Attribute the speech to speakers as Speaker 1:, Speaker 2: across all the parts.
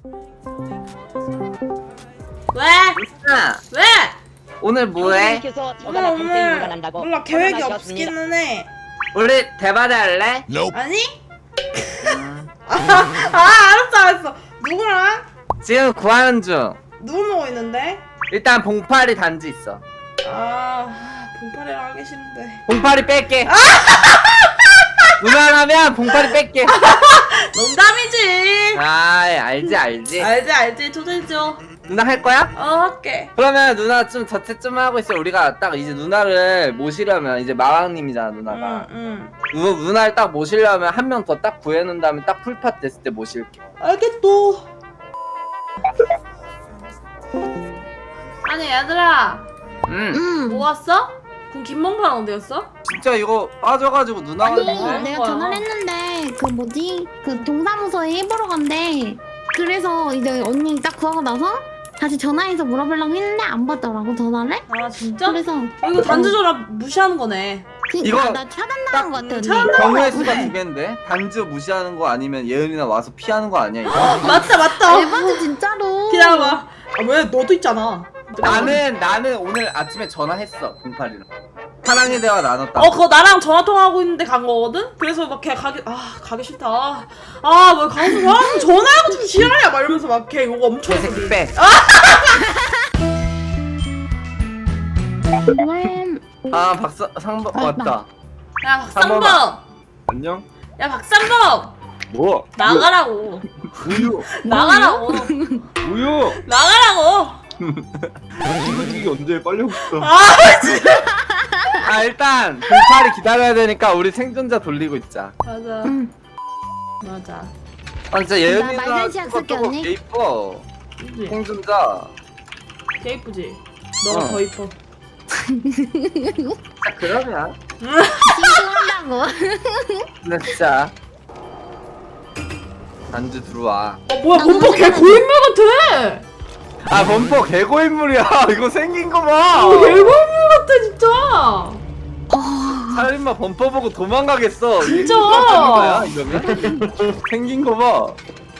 Speaker 1: 왜?
Speaker 2: 아,
Speaker 1: 왜?
Speaker 2: 오늘 뭐해?
Speaker 1: 몰라 계획이 없기는 해.
Speaker 2: 우리 대바대 할래?
Speaker 1: 아니?
Speaker 2: 음.
Speaker 1: 알았어. 누구랑?
Speaker 2: 지금 구하는 중.
Speaker 1: 누구 누워 있는데?
Speaker 2: 일단 봉파리 단지 있어.
Speaker 1: 봉파리랑 하기 싫은데.
Speaker 2: 봉파리 뺄게. 누나라면 봉파리 뺄게.
Speaker 1: 농담이지.
Speaker 2: 알지.
Speaker 1: 알지 초대해줘.
Speaker 2: 누나 할 거야?
Speaker 1: 할게.
Speaker 2: 그러면 누나 좀 자체 좀 하고 있어. 우리가 딱 이제 누나를 모시려면 이제 마왕님이잖아 누나가.
Speaker 1: 응.
Speaker 2: 누나를 딱 모시려면 한 명 더 딱 구해놓은 다음에 딱 풀팟 됐을 때 모실게.
Speaker 1: 알겠또. 아니 얘들아 뭐 왔어? 그럼 김몽파는 어디였어?
Speaker 2: 진짜 이거 빠져가지고 누나가
Speaker 3: 아니
Speaker 2: 했네.
Speaker 3: 내가 전화를 했는데 그 뭐지 그 동사무소에 해보러 간대. 그래서 이제 언니 딱 구하고 나서 다시 전화해서 물어보려고 했는데 안 받더라고 전화를.
Speaker 1: 아 진짜?
Speaker 3: 그래서
Speaker 1: 이거 단지 전화 무시하는 거네.
Speaker 2: 이거
Speaker 3: 나 차단당한 거 같아 언니.
Speaker 2: 경우의 수가 두 개인데 단지 무시하는 거 아니면 예은이나 와서 피하는 거 아니야 이거?
Speaker 1: 맞다.
Speaker 3: 에바지 진짜로.
Speaker 1: 기다려봐. 왜 너도 있잖아.
Speaker 2: 나는 오늘 아침에 전화했어 봉파리랑. 사랑의 대화 나눴다.
Speaker 1: 그거 나랑 전화 통화하고 있는데 간 거거든? 그래서 막 걔 가기 싫다. 왜 가서 사람 전화하고 좀 지랄이야 막 이러면서 막 걔 이거 엄청 했어.
Speaker 2: 개새끼 빼. 상범 왔다.
Speaker 1: 야 박상범.
Speaker 4: 안녕?
Speaker 1: 야 박상범.
Speaker 4: 뭐?
Speaker 1: 나가라고.
Speaker 4: 우유!
Speaker 1: 나가라고.
Speaker 4: 우유!
Speaker 1: 나가라고.
Speaker 4: 이거 언제 빨리 오고 싶다.
Speaker 2: 일단 봉파리 기다려야 되니까 우리 생존자 돌리고 있자.
Speaker 1: 맞아.
Speaker 3: 응.
Speaker 1: 맞아.
Speaker 2: 진짜 예은이랑
Speaker 3: 말간시약 쓸게, 언니.
Speaker 2: 개 이뻐.
Speaker 1: 그치?
Speaker 2: 생존자.
Speaker 1: 개 이쁘지? 너가 더 이뻐.
Speaker 2: 진짜 그러면.
Speaker 3: 신고한다고.
Speaker 2: 근데 진짜. 단지 들어와.
Speaker 1: 뭐야 범퍼 개 고인물 같아.
Speaker 2: 범퍼 개고인물이야. 이거 생긴 거 봐.
Speaker 1: 개 고인물 같아 진짜.
Speaker 2: 살인마 범퍼 보고 도망가겠어.
Speaker 1: 진짜.
Speaker 2: 거야 이러면? 생긴 거 봐.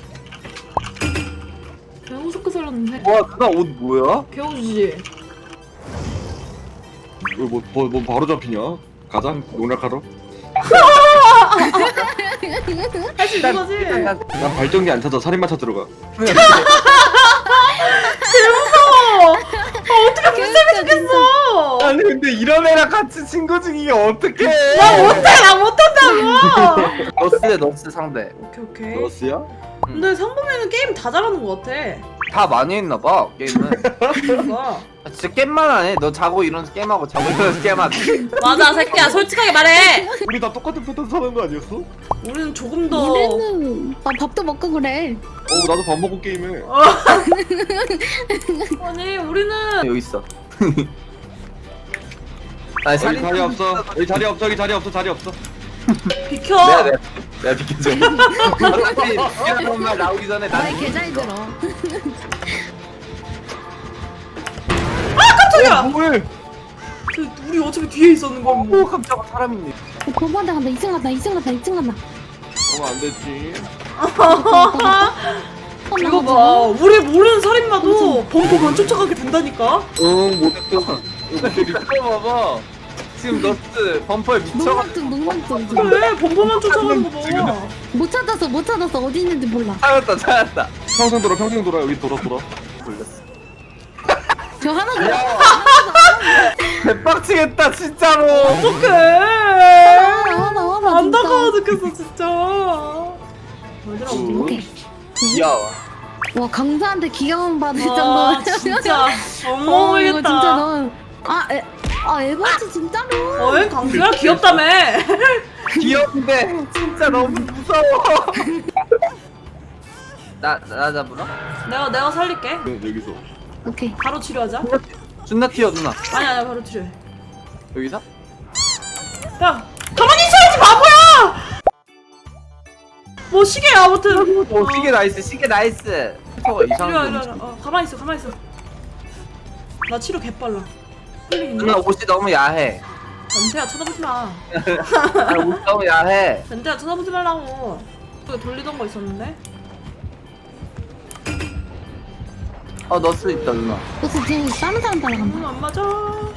Speaker 1: 개 무섭게 살렸는데.
Speaker 2: 와 누나 옷 뭐야?
Speaker 1: 개우주지.
Speaker 4: 뭐 바로 잡히냐? 가자, 농락하러.
Speaker 1: 할 수 있는 거지?
Speaker 4: 난 발전기 안 찾아, 살인마 찾으러 가.
Speaker 1: 어떻게 불쌍해 죽겠어.
Speaker 2: 아니 근데 이런 애랑 같이 친구 중이게 어떡해?
Speaker 1: 나 못한다고.
Speaker 2: 너스 상대.
Speaker 1: 오케이.
Speaker 4: 러스야?
Speaker 1: 근데 상범이는 게임 다 잘하는 거 같아.
Speaker 2: 다 많이 했나봐 게임은.
Speaker 1: 그러니까.
Speaker 2: 진짜 게임만 안 해. 너 자고 일어나서 게임하고 자고 일어나서 게임하지.
Speaker 1: 맞아 새끼야 솔직하게 말해.
Speaker 4: 우리 다 똑같은 패턴 사는 거 아니었어?
Speaker 1: 우리는 조금 더.
Speaker 3: 우리는 밥도 먹고 그래.
Speaker 4: 나도 밥 먹고 게임해.
Speaker 1: 아니 우리는.
Speaker 2: 여기 있어.
Speaker 4: 여기 자리 없어. 여기 자리 없어. 여기 자리 없어. 자리 없어.
Speaker 1: 비켜.
Speaker 2: 내가 비켜줘. 어차피 이런 말 나오기 전에 나.
Speaker 3: 말 개 잘 들어.
Speaker 1: 깜짝이야.
Speaker 4: 뭐해?
Speaker 1: 우리 어차피 뒤에 있었는 걸 뭐.
Speaker 2: 깜짝아 사람 있네.
Speaker 3: 범퍼한테 간다. 2층 간다. 2층 간다.
Speaker 4: 안 됐지.
Speaker 1: 이거 봐. 우리 모르는 살인마도 범퍼만 쫓아가게 된다니까.
Speaker 4: 응, 못했어.
Speaker 2: 이거 봐봐. 지금 너스 범퍼에 미쳐가지고
Speaker 3: 농락중.
Speaker 1: 그래 범퍼만 쫓아가는 거 봐.
Speaker 3: 못 찾았어. 어디 있는지 몰라.
Speaker 2: 찾았다.
Speaker 4: 평생 돌아. 여기 돌아.
Speaker 2: 걸렸어.
Speaker 3: 저 하나 더.
Speaker 2: 대박치겠다 진짜로.
Speaker 1: 어떡해.
Speaker 3: 하나.
Speaker 1: 안타까워 죽겠어 진짜. 얘들아
Speaker 3: 오케이.
Speaker 2: 귀여워.
Speaker 3: 와 강사한테 귀여움 받을
Speaker 1: 와
Speaker 3: 정도면
Speaker 1: 진짜
Speaker 3: 이거
Speaker 1: 엉망이겠다.
Speaker 3: 진짜 너 에바지 진짜로.
Speaker 1: 어이 강수야 귀엽다며.
Speaker 2: 귀여운데 진짜 너무 무서워. 나 잡으러?
Speaker 1: 내가 살릴게.
Speaker 4: 네, 여기서.
Speaker 3: 오케이.
Speaker 1: 바로 치료하자.
Speaker 2: 존나 튀어 누나.
Speaker 1: 아니야 바로 치료해.
Speaker 2: 여기서?
Speaker 1: 야 가만히 있어야지 바보야. 뭐 시계야 아무튼.
Speaker 2: 시계 나이스. 저거 이상한
Speaker 1: 이리와. 가만히 있어. 나 치료 개빨라. 힐링
Speaker 2: 누나 옷이 너무 야해.
Speaker 1: 변태야 쳐다보지 마.
Speaker 2: 옷이 너무 야해.
Speaker 1: 변태야 쳐다보지 말라고. 여기 돌리던 거 있었는데.
Speaker 2: 넣을 수 있다 누나.
Speaker 3: 그래서 지금 다른 사람 따라간다.
Speaker 1: 안 맞아.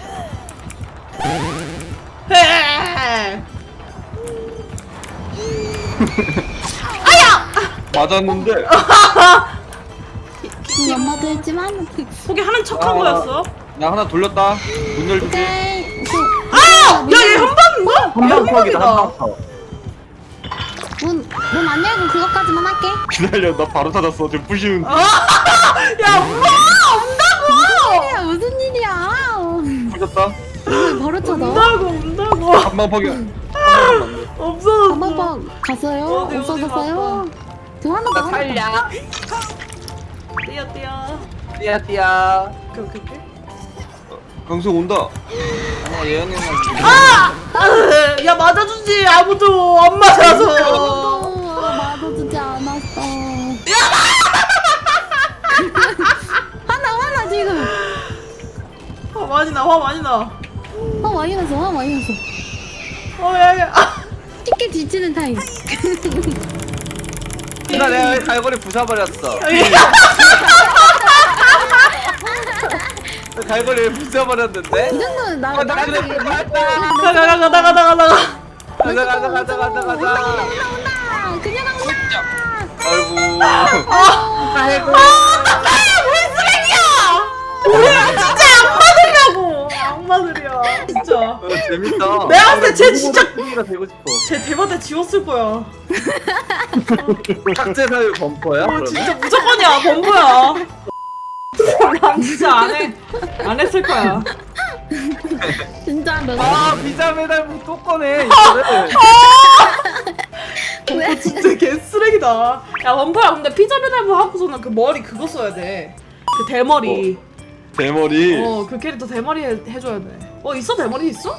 Speaker 1: 헤.
Speaker 4: 맞았는데.
Speaker 3: 연마도 했지만.
Speaker 1: 포기하는 척한
Speaker 4: 아.
Speaker 1: 거였어.
Speaker 4: 나 하나 돌렸다. 문 열주기.
Speaker 3: 오케이.
Speaker 1: 야, 얘 한방인가?
Speaker 2: 한방 퍽이다 한방 퍽.
Speaker 3: 문안 열고 그것까지만 할게.
Speaker 4: 기다려, 나 바로 찾았어. 지금 부시는.
Speaker 1: 야, 엄마 온다고.
Speaker 3: 야 무슨 일이야?
Speaker 4: 부셨다.
Speaker 3: 왜 바로 찾아?
Speaker 1: 온다고.
Speaker 4: 한방 퍽이야. 한방 맞네.
Speaker 1: 없어졌어.
Speaker 3: 한번 갔어요?
Speaker 1: 어디
Speaker 3: 없어졌어요? 저 하나 더.
Speaker 2: 나 살려.
Speaker 1: 뛰어.
Speaker 2: 띠야.
Speaker 1: 오케이.
Speaker 4: 강수 온다.
Speaker 2: 아니야 예언이만.
Speaker 1: 야, 맞아주지. 아무도 안 맞아서.
Speaker 3: 맞아주지 않았어. 하나 지금.
Speaker 1: 화 많이 나.
Speaker 3: 많이 났어.
Speaker 1: 야.
Speaker 3: 쉽게 지치는 타임.
Speaker 2: 누나 내가 갈고리 부숴버렸어. 갈고리를 부숴버렸는데?
Speaker 3: 이 정도는 나
Speaker 2: 나가.
Speaker 3: 온다. 그냥 온다.
Speaker 2: 아이고.
Speaker 1: 아이고. 왜 쓰레기야? 진짜 악마들이야. 진짜.
Speaker 2: 재밌다.
Speaker 1: 내가 봤을 때 쟤 진짜
Speaker 2: 가 되고 싶어.
Speaker 1: 쟤 대바대 지웠을 거야.
Speaker 2: 삭제 사유 범퍼야? 그러면?
Speaker 1: 진짜 무조건이야. 범부야. 난 진짜 안 했을 거야.
Speaker 3: 진짜 너.
Speaker 2: 아 비자 메달부 또 꺼내 이거를.
Speaker 3: 왜?
Speaker 1: 진짜 개쓰레기다. 야, 범부야. 근데 피자 배달부 하고서는 그 머리 그거 써야 돼. 그 대머리.
Speaker 4: 대머리.
Speaker 1: 그 캐릭터 대머리 해줘야 돼. 있어? 대머리 있어?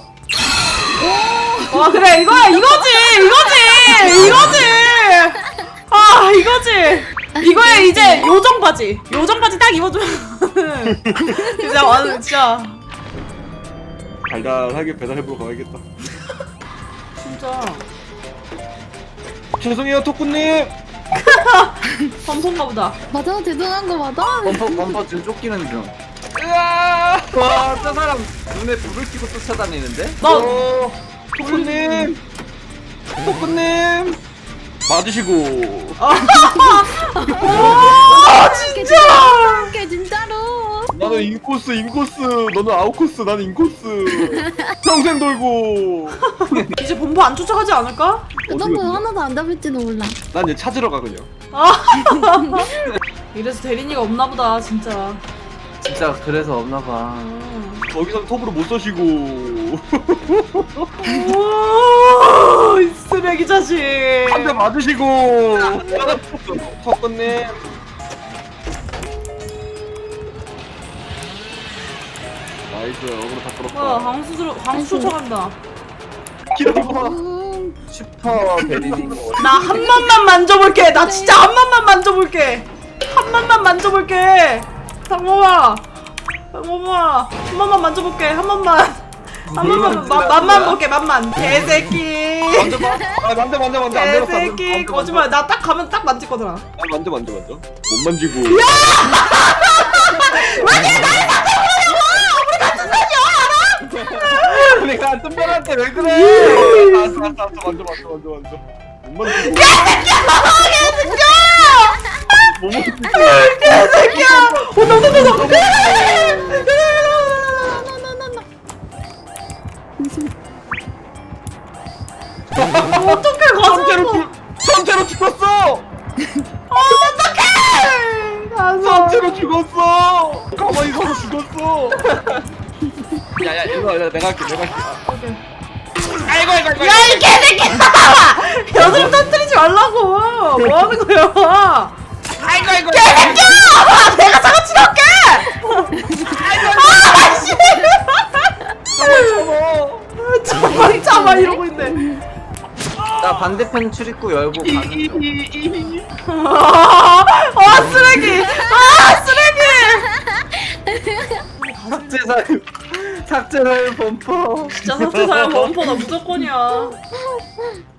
Speaker 1: 그래, 이거야, 이거지! 이거에 이제 요정 바지 딱 입어주면 진짜 완전 진짜
Speaker 4: 달달하게 배달해보러 가야겠다.
Speaker 1: 진짜
Speaker 4: 죄송해요, 토꾸님.
Speaker 1: 범선가 보다.
Speaker 3: 맞아, 죄송한 거 맞아?
Speaker 2: 범퍼 지금 쫓기는 중.
Speaker 4: 으아!
Speaker 2: 와저 사람 눈에 불을 켜고 쫓아다니는데?
Speaker 4: 토꾸님. 토꾸님. 맞으시고.
Speaker 3: 진짜. 이렇게 진짜로.
Speaker 4: 나는 인코스. 너는 아웃코스. 나는 인코스. 평생 돌고.
Speaker 1: 이제 범부 안 쫓아가지 않을까?
Speaker 3: 그 정도 하나도 안 잡을지도 몰라.
Speaker 4: 난 얘 찾으러 가 그냥.
Speaker 1: 이래서 대리니가 없나 보다, 진짜.
Speaker 2: 진짜 그래서 없나봐.
Speaker 4: 거기선 톱으로 못 쏘시고.
Speaker 1: 이 쓰레기 자식.
Speaker 4: 한 대 맞으시고. 토꾸님. 나이스. 어그로 다 끌었다.
Speaker 1: 광수 쫓아간다.
Speaker 4: 기다려봐.
Speaker 2: 슈퍼 베리니.
Speaker 1: 나 한 번만 만져볼게. 나 진짜 한 번만 만져볼게. 상범아, 한 번만 만져볼게. 한 번만 맘만 볼게. 맘만. 개새끼.
Speaker 4: 만져봐. 아, 만져. 안 되겠어.
Speaker 1: 개새끼. 거짓말. 나 딱 가면 딱 만질 거잖아.
Speaker 4: 아, 만져. 못 만지고.
Speaker 2: 내가 뜬별한테 왜 그래?
Speaker 4: 알았어. 만져. 못 만지고.
Speaker 1: 개새끼야. 어떡해, 가서.
Speaker 4: 선체로 죽었어.
Speaker 1: 가서.
Speaker 4: 선체로 죽었어. 가만히 서서 죽었어. 야야 이거 내가 할게. 아이고.
Speaker 1: 야, 이 개새끼야! 여드름 터뜨리지 말라고! 뭐 하는 거야?
Speaker 4: 아이고.
Speaker 1: 개새끼야! 내가 장아찌 넣을게! 참아 이러고 있네.
Speaker 2: 나 반대편 출입구 열고 가는 중.
Speaker 1: 쓰레기!
Speaker 2: 삭제 사유 범퍼.
Speaker 1: 진짜 사태 사용 범퍼 나 무조건이야.